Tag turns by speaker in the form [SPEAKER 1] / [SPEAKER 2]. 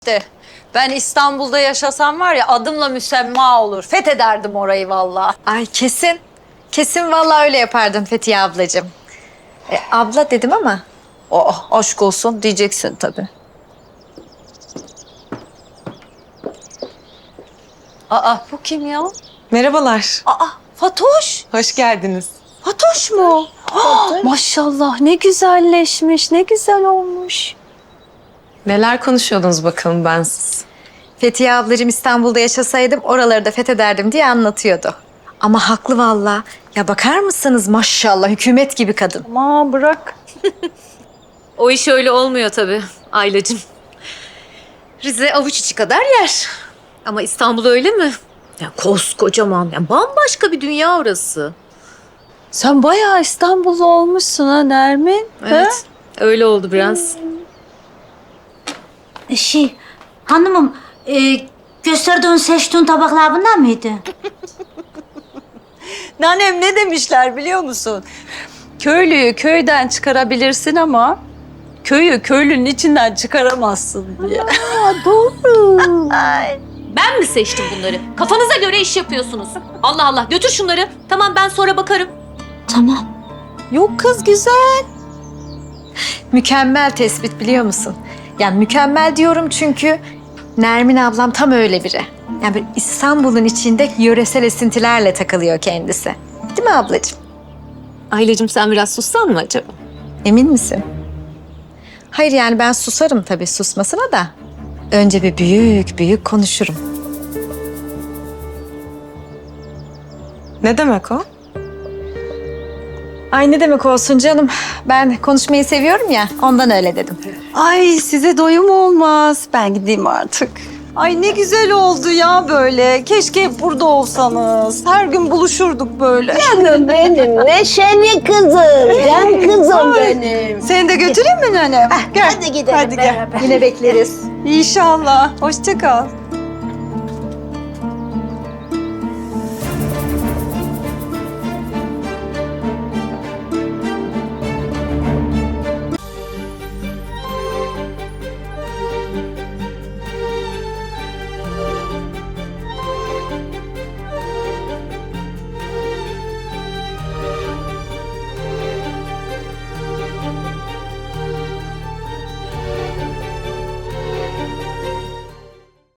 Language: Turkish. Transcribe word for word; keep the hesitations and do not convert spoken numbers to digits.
[SPEAKER 1] İşte ben İstanbul'da yaşasam var ya adımla müsemma olur. Fethederdim orayı vallahi.
[SPEAKER 2] Ay kesin. Kesin vallahi öyle yapardın Fethiye ablacığım. E, abla dedim ama.
[SPEAKER 1] Oh aşk olsun diyeceksin tabii. Aa bu kim ya?
[SPEAKER 3] Merhabalar.
[SPEAKER 1] Aa Fatoş.
[SPEAKER 3] Hoş geldiniz.
[SPEAKER 1] Fatoş mu? Ah, maşallah ne güzelleşmiş, ne güzel olmuş.
[SPEAKER 3] Neler konuşuyordunuz bakalım bensiz?
[SPEAKER 2] Fethiye ablacığım İstanbul'da yaşasaydım oraları da fethederdim diye anlatıyordu. Ama haklı vallahi. Ya bakar mısınız maşallah hükümet gibi kadın.
[SPEAKER 1] Aman bırak.
[SPEAKER 4] O iş öyle olmuyor tabii Aylacığım. Rize avuç içi kadar yer. Ama İstanbul öyle mi? Ya koskocaman, ya bambaşka bir dünya orası.
[SPEAKER 1] Sen bayağı İstanbullu olmuşsun ha Nermin.
[SPEAKER 4] Evet, öyle oldu biraz.
[SPEAKER 5] Şey, hanımım, e, gösterdiğin seçtiğin tabaklar bunlar mıydı?
[SPEAKER 1] Nanem ne demişler biliyor musun? Köylüyü köyden çıkarabilirsin ama köyü köylünün içinden çıkaramazsın diye.
[SPEAKER 4] Ben mi seçtim bunları? Kafanıza göre iş yapıyorsunuz. Allah Allah, götür şunları. Tamam, ben sonra bakarım.
[SPEAKER 5] Tamam.
[SPEAKER 1] Yok kız güzel.
[SPEAKER 2] Mükemmel tespit biliyor musun? Yani mükemmel diyorum çünkü Nermin ablam tam öyle biri. Yani böyle İstanbul'un içinde yöresel esintilerle takılıyor kendisi. Değil mi ablacığım?
[SPEAKER 4] Aylacığım sen biraz sussan mı acaba?
[SPEAKER 2] Emin misin? Hayır yani ben susarım tabii susmasına da. Önce bir büyük büyük konuşurum.
[SPEAKER 3] Ne demek o?
[SPEAKER 2] Ay ne demek olsun canım. Ben konuşmayı seviyorum ya ondan öyle dedim.
[SPEAKER 1] Ay size doyum olmaz. Ben gideyim artık. Ay ne güzel oldu ya böyle. Keşke hep burada olsanız. Her gün buluşurduk böyle.
[SPEAKER 6] Canım benim, neşeli kızım, can kızım benim.
[SPEAKER 1] Seni de götüreyim mi nenem? Gel.
[SPEAKER 6] Hadi gidelim
[SPEAKER 1] Hadi gel.
[SPEAKER 6] beraber.
[SPEAKER 2] Yine bekleriz.
[SPEAKER 1] İnşallah. Hoşça kal.